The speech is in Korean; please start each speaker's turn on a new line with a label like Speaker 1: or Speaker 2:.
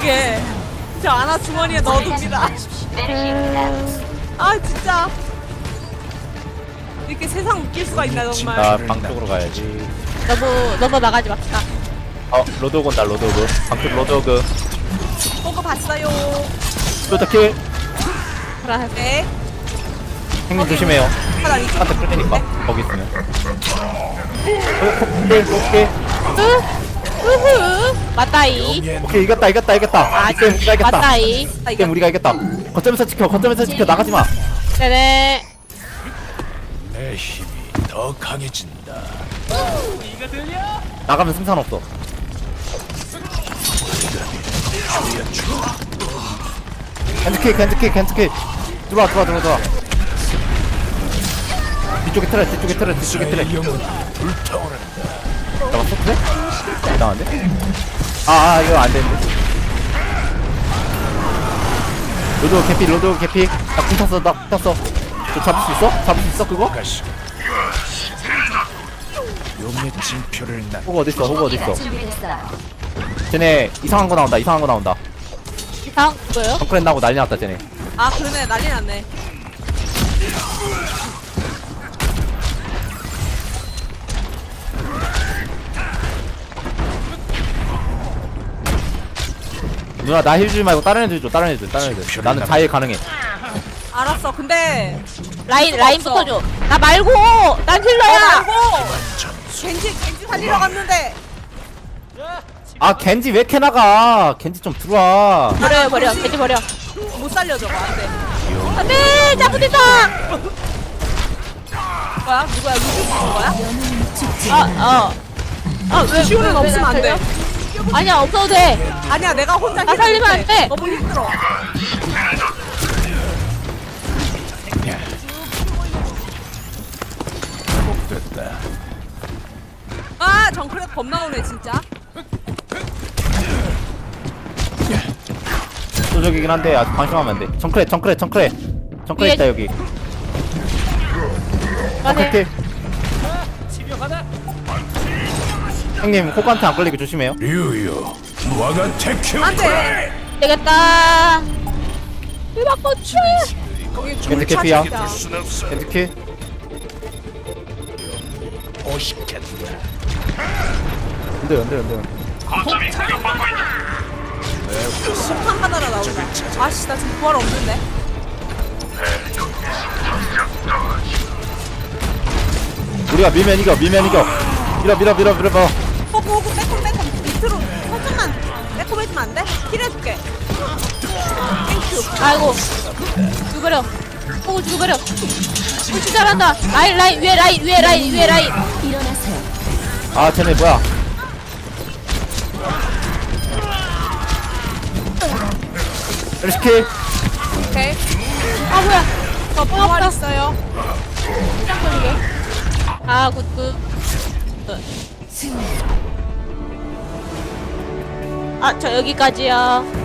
Speaker 1: 이렇게 저 아나 주머니에 넣어둡니다. 아 진짜 이렇게 세상 웃길 수가 있나 정말.
Speaker 2: 나 방 쪽으로 가야지.
Speaker 3: 너무 나가지 맙시다.
Speaker 2: 로드오그 온다, 로드오그. 방쪽 로드오그.
Speaker 1: 보고 봤어요.
Speaker 2: 로드킬.
Speaker 1: 네.
Speaker 2: 형님 조심해요.
Speaker 1: 하나 이쪽.
Speaker 2: 한테 끌리니까. 거기 있으면. 오케이.
Speaker 3: 으흐. 맞다이.
Speaker 2: 오케이, 이겼다.
Speaker 3: 아,
Speaker 2: 이때 우리가 이겼다.
Speaker 3: 맞다이.
Speaker 2: 이때 우리가 이겼다. 거점에서 지켜, 나가지 마.
Speaker 3: 네네.
Speaker 4: 내 힘이 더 강해진다.
Speaker 2: 나가면 승산 없어. 캔즈킥. 들어와. 뒤쪽에 틀어.
Speaker 4: 내 영혼 불타오른다.
Speaker 2: 잡았어? 그래? 이상한데? 이거 안 되는데. 로드 개피. 나 궁 탔어. 저 잡을 수 있어? 그거?
Speaker 4: 가시. 용의 징표를 난
Speaker 2: 호구 어딨어? 쟤네 이상한 거 나온다.
Speaker 3: 이상 뭐예요?
Speaker 2: 정크랜 나고 난리 났다, 쟤네.
Speaker 1: 아 그러네 난리 났네.
Speaker 2: 누나, 나 힐 주지 말고 다른 애들 줘. 나는 자일 가능해.
Speaker 1: 알았어. 근데
Speaker 3: 라인부터 줘. 나 말고. 난 힐러야.
Speaker 1: 말고 겐지 살리러 갔는데
Speaker 2: 겐지 왜 이렇게 나가? 겐지 좀 들어와.
Speaker 3: 버려. 겐지 버려.
Speaker 1: 못 살려줘. 안돼.
Speaker 3: 안돼. 잘못했다.
Speaker 1: 뭐야? 누구야? 루시 부른 거야?
Speaker 3: 왜
Speaker 1: 시오는
Speaker 3: 왜
Speaker 1: 없으면 안 돼.
Speaker 3: 아니야 없어도 돼.
Speaker 1: 아니야 내가 혼자
Speaker 3: 나 살리면 안 돼.
Speaker 1: 너무 힘들어.
Speaker 4: 됐다.
Speaker 1: 아 정크랩 겁나 오네 진짜.
Speaker 2: 소적이긴 한데 아직 방심하면 안 돼. 정크레
Speaker 3: 위에-
Speaker 2: 있다 여기.
Speaker 3: 맞네.
Speaker 2: 형님 호구한테 안 걸리게 조심해요.
Speaker 4: 류요. 와가 테큐.
Speaker 1: 안돼.
Speaker 3: 되겠다. 이바꽃추.
Speaker 1: 거기
Speaker 2: 겐지 캐피야.
Speaker 1: 진짜.
Speaker 4: 순 없어.
Speaker 2: 겐지키.
Speaker 4: 오식했다.
Speaker 2: 안돼.
Speaker 1: 심판 하나라 나오자. 아씨 나 지금 부활 없는데.
Speaker 2: 우리가 밀면 이겨. 밀어.
Speaker 1: 호구 빼꼼 밑으로 살짝만 빼꼼해주면 안 돼? 힐해줄게. 땡큐.
Speaker 3: 아이고. 죽어버려. 호구 죽어버려. 푸시 잘한다. 라인 위에 라인.
Speaker 2: 쟤네 뭐야? LCK.
Speaker 1: 오케이.
Speaker 3: 아 뭐야.
Speaker 1: 저 부활 있어요.
Speaker 3: 짱 걸리게. 아 굿. 저 여기까지요.